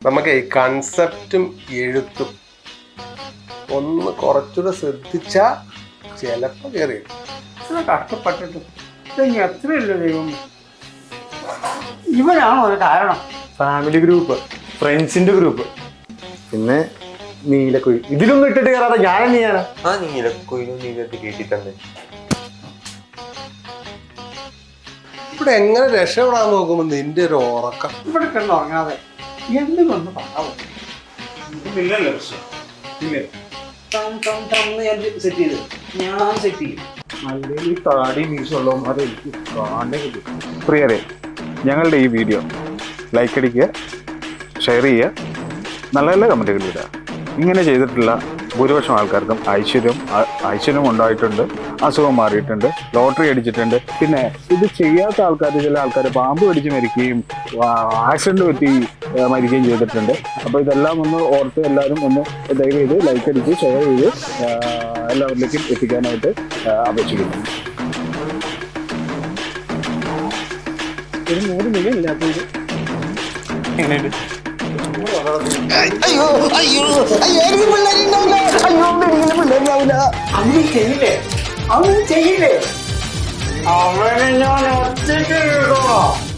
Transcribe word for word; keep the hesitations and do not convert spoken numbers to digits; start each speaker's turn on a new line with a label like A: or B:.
A: നമുക്ക് കൺസെപ്റ്റും എഴുത്തും ഒന്ന് കുറച്ചുകൂടെ ശ്രദ്ധിച്ചാ ചിലപ്പോ കയറി
B: കഷ്ടപ്പെട്ടിട്ട് ഇനി എത്രയല്ലോ ദൈവം. ഇവനാണോ ഒരു കാരണം?
C: ഫാമിലി ഗ്രൂപ്പ്, ഫ്രണ്ട്സിന്റെ ഗ്രൂപ്പ്, പിന്നെ നീലക്കുഴി. ഇതിലൊന്നും ഇട്ടിട്ട് കയറാതെ ഞാൻ തന്നെയാണ്.
D: ആ നീലക്കുയിലും നീലത്ത് കേട്ടി തന്നെ.
A: ഇവിടെ എങ്ങനെ രക്ഷപ്പെടാൻ നോക്കുമ്പോ നിന്റെ ഒരു ഉറക്കം.
B: ഇവിടെ കിടന്ന് ഉറങ്ങാതെ എന്തുകൊണ്ട് പറയാമോ?
C: ഇല്ലല്ലോ പ്രശ്നം. ഇല്ലേ സെറ്റ് ചെയ്ത് ഞാൻ സെറ്റ് ചെയ്യും. അല്ലെങ്കിൽ താടി മീശുള്ളവന്മാരെ എനിക്ക് കാണേ കിട്ടും. പ്രിയരെ, ഞങ്ങളുടെ ഈ വീഡിയോ ലൈക്ക് അടിക്കുക, ഷെയർ ചെയ്യുക, നല്ല നല്ല കമൻറ്റുകൾ ഇടുക. ഇങ്ങനെ ചെയ്തിട്ടുള്ള ഭൂരിപക്ഷം ആൾക്കാർക്കും ഐശ്വര്യം ഐശ്വര്യം ഉണ്ടായിട്ടുണ്ട്, അസുഖം മാറിയിട്ടുണ്ട്, ലോട്ടറി അടിച്ചിട്ടുണ്ട്. പിന്നെ ഇത് ചെയ്യാത്ത ആൾക്കാർ, ചില ആൾക്കാർ പാമ്പ് കടിച്ച് മരിക്കുകയും ആക്സിഡൻറ്റ് പറ്റി മരിക്കുകയും ചെയ്തിട്ടുണ്ട്. അപ്പോൾ ഇതെല്ലാം ഒന്ന് ഓർത്ത് എല്ലാവരും ഒന്ന് ദയവ് ചെയ്ത് ലൈക്ക് അടിച്ച് ഷെയർ ചെയ്ത് എല്ലാവരിലേക്കും എത്തിക്കാനായിട്ട് അപേക്ഷിക്കുന്നു. ഒരു നൂറ് മില്യൺ ഇല്ലാത്തത് എങ്ങനെയുണ്ട്?
E: അയ്യോ അയ്യോ അയ്യോ എനിക്ക് പിള്ളേരുണ്ടാവില്ല. അയ്യോ എനിക്ക് പിള്ളേരുണ്ടാവില്ല.
B: അങ്ങനെ ചെയ്യില്ലേ? അങ്ങനെ ചെയ്യില്ലേ? അവനെ ഞാൻ ഒറ്റയ്ക്ക്